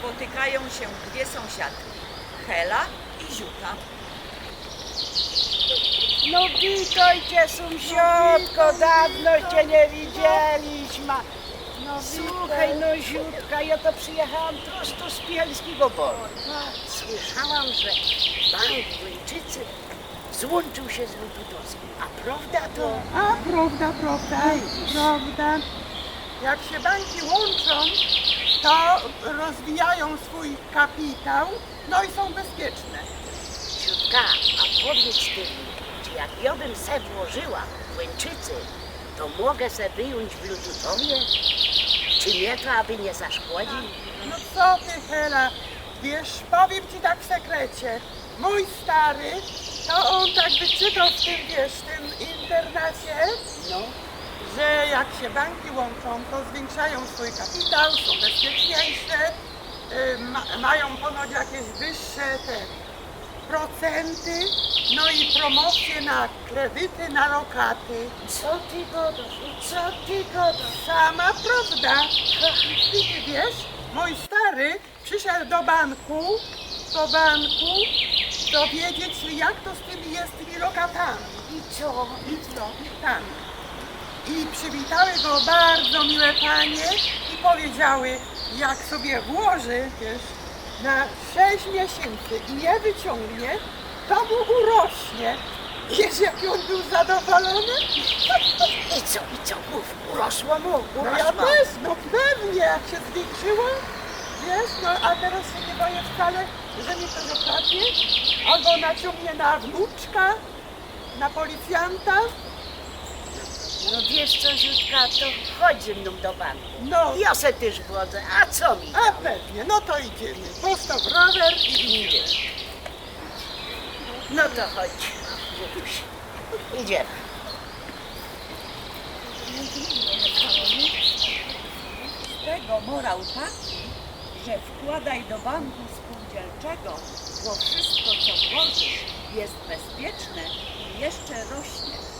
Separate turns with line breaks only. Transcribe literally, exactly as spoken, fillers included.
spotykają się dwie sąsiadki, Hela i Ziuta.
No witajcie, sąsiadko, dawno cię nie widzieliśmy.
No
Słuchaj, no Ziutka, ja to przyjechałam prosto z Bielskiego Boru.
Słyszałam, że bank w Łyńczycy złączył się z Lututowskim. A prawda to?
A prawda, prawda, prawda. Jak się banki łączą, to rozwijają swój kapitał, no i są bezpieczne.
Ziutka, a powiedz ty mi, czy jak ja bym se włożyła w Łyńczycy, to mogę se wyjąć w Lututowie? Czy nie, to aby nie zaszkodził?
No co ty, Hela, wiesz, powiem ci tak w sekrecie. Mój stary, to on tak wyczytał w tym, wiesz, w tym internacie,
No,
że jak się banki łączą, to zwiększają swój kapitał, są bezpieczniejsze, y, ma, mają ponoć jakieś wyższe te procenty, no i promocje na kredyty, na lokaty.
co ty gadasz? Co ty gadasz?
Sama prawda. I ty wiesz, mój stary przyszedł do banku, do banku, dowiedzieć się, jak to z tymi jest tymi lokatami.
I co?
I co? I tam. I przywitały go bardzo miłe panie i powiedziały, jak sobie włoży, wiesz, na sześć miesięcy i nie wyciągnie, to mu urośnie. Wiesz, jaki on był zadowolony?
I co? I co? Mów, urosło mu,
No ja
urosło.
też, no pewnie, jak się zwiększyło, wiesz, no a teraz się nie boję wcale, że mi to zapadnie, albo naciągnie na wnuczka, na policjanta.
No wiesz co, Ziutka, to chodź ze mną do banku.
No,
Ja se też wchodzę, a co mi?
a pewnie, no to idziemy. Postaw rower i idziemy.
No to chodź, Ziutuś. Idziemy.
Z tego morał taki, że wkładaj do banku spółdzielczego, bo wszystko co włożysz jest bezpieczne i jeszcze rośnie.